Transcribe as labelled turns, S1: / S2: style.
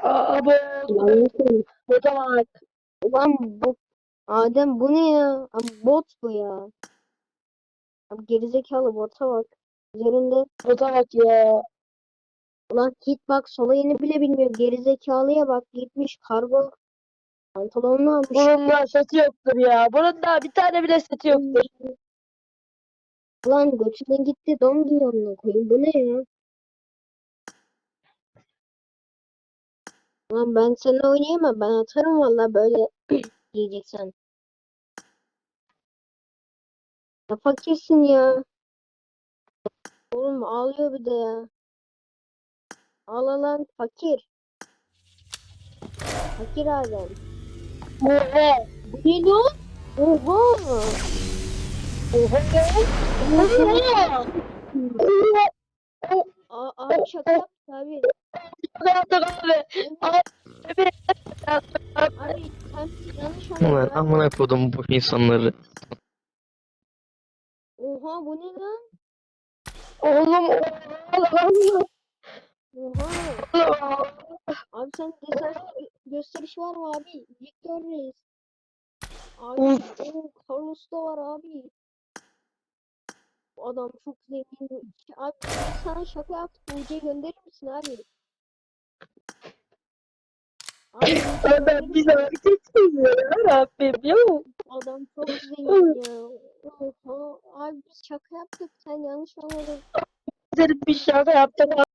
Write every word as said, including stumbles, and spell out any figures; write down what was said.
S1: Abi
S2: Yanlışım.
S1: bota bak.
S2: Ulan bu Adem bu ne ya? Abi bot bu ya. Abi gerizekalı bota bak. Üzerinde
S1: Bota bak ya.
S2: ulan hitbox olayını bile bilmiyor. Gerizekalıya bak gitmiş kargo pantolonunu almış.
S1: Bunun da seti yoktur ya. Bunun da bir tane bile seti yoktur.
S2: Ulan götüne gitti don giyiyor onunla koyayım. Bu ne ya? Ulan ben seninle oynayamam. Ben atarım valla böyle diyeceksen. Ya fakirsin ya. Oğlum ağlıyor bir de ya. Ağla lan fakir. Fakir Adem.
S1: Oha.
S2: Bu ne lan? Oha.
S1: Oha. Oha. Oha.
S2: Aa, abi şaka yaptı abi.
S1: Yaptık abi. Abi. Abi.
S2: Abi sen yanlış
S3: Ulan
S2: anladın abi.
S3: amına kodum bu insanları.
S2: Oha bu ne lan?
S1: Oğlum. Oha.
S2: Oha. Abi sen desans gö- gösteriş var mı abi? Victor Reis. Abi o Carlos da var abi. Bu adam çok zengin. Abi biz sana şaka yaptık. U C gönderir misin abi? Abi U C
S1: Ben
S2: gönderir
S1: bir
S2: misin?
S1: hareket seviyorum Rabbim ya.
S2: Adam çok zengin ya. Oha. Abi biz şaka yaptık. Sen yanlış anladın.
S1: Güzel bir şaka yaptık.